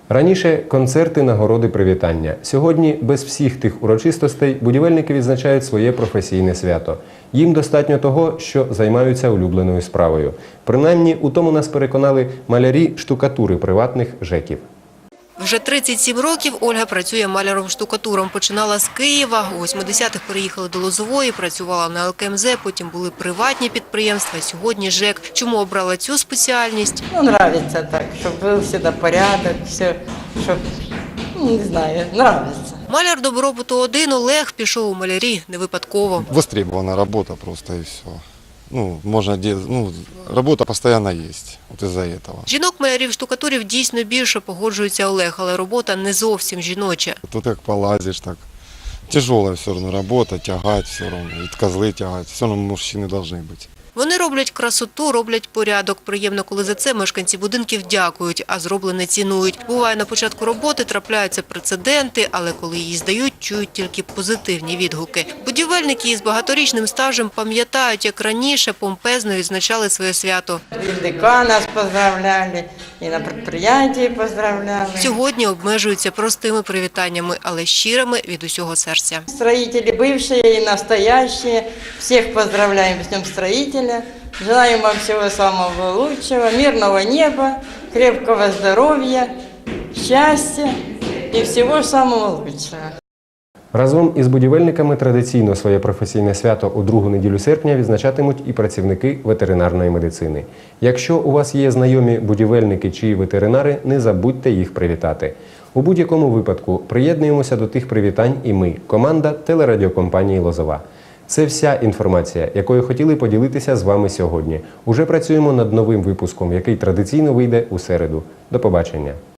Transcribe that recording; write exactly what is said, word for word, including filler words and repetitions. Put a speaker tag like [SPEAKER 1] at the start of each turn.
[SPEAKER 1] Раніше концерти, нагороди, привітання. Сьогодні без всіх тих урочистостей будівельники відзначають своє професійне свято. Їм достатньо того, що займаються улюбленою справою. Принаймні, у тому нас переконали малярі штукатури приватних ЖЕКів.
[SPEAKER 2] Вже тридцять сім років Ольга працює маляром-штукатуром. Починала з Києва, у восьмидесятих переїхали до Лозової, працювала на Ел Ке Ем Зе, потім були приватні підприємства, сьогодні ЖЕК. Чому обрала цю спеціальність?
[SPEAKER 3] Ну, нравится так, чтобы был всегда порядок, все, щоб, ну, не знаю, нравится.
[SPEAKER 2] Маляр добробуту один Олег пішов у малярі не випадково.
[SPEAKER 4] Востребована работа просто и все. Ну, можно делать, ну, работа постоянно есть, вот из-за этого.
[SPEAKER 2] Жінок-малярів-штукатурів дійсно більше, погоджується Олег, але робота не зовсім жіноча.
[SPEAKER 4] Тут как полазишь, так тяжелая все равно работа, тягать все равно, и козлы тягать, все равно мужчины должны быть.
[SPEAKER 2] Вони роблять красоту, роблять порядок. Приємно, коли за це мешканці будинків дякують, а зроблене цінують. Буває, на початку роботи трапляються прецеденти, але коли її здають, чують тільки позитивні відгуки. Будівельники із багаторічним стажем пам'ятають, як раніше помпезно відзначали своє свято.
[SPEAKER 3] І ДК нас поздравляли, і на підприємстві поздравляли.
[SPEAKER 2] Сьогодні обмежуються простими привітаннями, але щирими від усього серця.
[SPEAKER 3] Строители бывшие и настоящие, всех поздравляем с Днем строителя. Желаем вам всего самого лучшего, мирного неба, крепкого здоровья, счастья и всего самого лучшего.
[SPEAKER 1] Разом із будівельниками традиційно своє професійне свято у другу неділю серпня відзначатимуть і працівники ветеринарної медицини. Якщо у вас є знайомі будівельники чи ветеринари, не забудьте їх привітати. У будь-якому випадку приєднуємося до тих привітань і ми, команда телерадіокомпанії «Лозова». Це вся інформація, якою хотіли поділитися з вами сьогодні. Уже працюємо над новим випуском, який традиційно вийде у середу. До побачення.